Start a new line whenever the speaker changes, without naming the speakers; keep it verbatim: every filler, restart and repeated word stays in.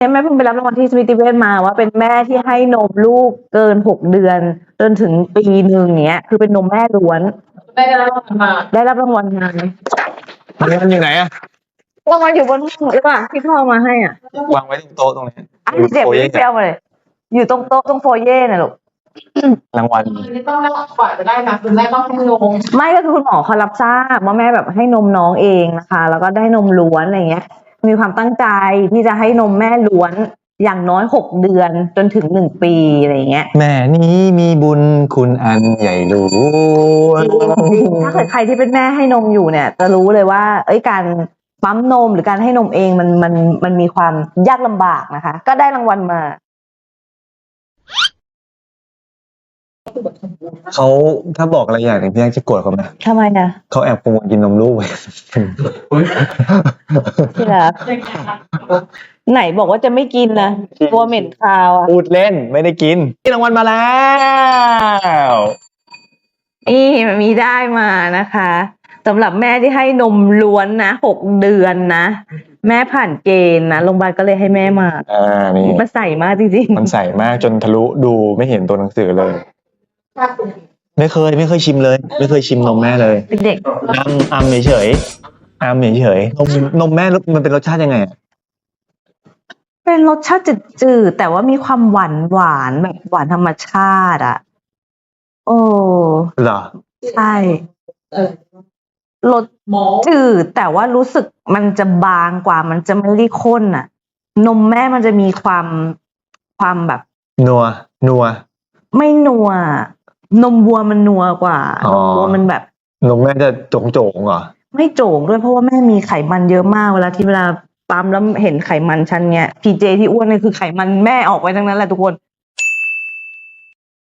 แม่เพิ่งไปรับรางวัลที่สมิติเวชมาว่าเป็นแม่ที่ให้นมลูกเกินหกเดือนจนถึงปีหนึ่งเนี้ยคือเป็นนมแม่ล้วนได้รับรางวัลมาได้รับรางวัลมา
มันอยู่ไหนอะ
รางวัลอยู่บนห้องหรือเปล่าที่พ่อมาให้อ่ะ
วางไว้ตรงโต๊ะตรงนี้
อันเจ็บไม่เปรี้ยวมาเลยอยู่ตรงโต๊ะตรงโฟเย่น่ะลูก
รางวัล
นี่ต้องรับกว่าจะได้นะคุณแม่ต้องให้นม
ไม่ก็คือคุณหมอเขารับทราบว่าแม่แบบให้นมน้องเองนะคะแล้วก็ได้นมล้วนอะไรเงี้ยมีความตั้งใจที่จะให้นมแม่ล้วนอย่างน้อยหกเดือนจนถึงหนึ่งปีอะไรเงี้ย
แม่นี้มีบุญคุณอันใหญ่หลวง
ถ้าเกิดใครที่เป็นแม่ให้นมอยู่เนี่ยจะรู้เลยว่าเอ้ยการปั๊มนมหรือการให้นมเองมันมันมันมีความยากลำบากนะคะก็ได้รางวัลมา
เขาถ้าบอกอะไรอย่างหนึ่งพี่แอ๊กจะโกรธเขาไหม
ทำไมนะ
เขาแอบโปรโมทกินนมลูก
ที่รักไหนบอกว่าจะไม่กินนะตัวเหม็นคาวอ่ะ
พูดเล่นไม่ได้กินรางวัลมาแล้ว
นี่มันมีได้มานะคะสำหรับแม่ที่ให้นมล้วนนะหกเดือนนะแม่ผ่านเกณฑ์นะโรงพยาบาลก็เลยให้แม่มา
อ่านี่
มันใส่มากจริง
ๆมันใส่มากจนทะลุดูไม่เห็นตัวหนังสือเลยไม่เคยไม่เคยชิมเลยไม่เคยชิมนมแม่เลย
เด็ก
อัมอัมเฉยๆอัมเฉยๆนมนมแม่มันเป็นรสชาติยังไง
เป็นรสชาติจืดๆแต่ว่ามีความหวานหวานแบบหวานธรรมชาติอ่ะโอ้
เหรอ
ใช่รสจืดแต่ว่ารู้สึกมันจะบางกว่ามันจะไม่ได้ข้นอ่ะนมแม่มันจะมีความความแบบ
นัวนัว
ไม่นัวนมวัวมันนัวกว่านมวัวมันแบบ
นมแม่จะโจงๆเหรอ
ไม่โจงด้วยเพราะว่าแม่มีไขมันเยอะมากเวลาที่เวลาปั๊มแล้วเห็นไขมันชั้นเนี้ยพีเจที่อ้วนเนี่ยคือไขมันแม่ออกไปทั้งนั้นแหละทุกคน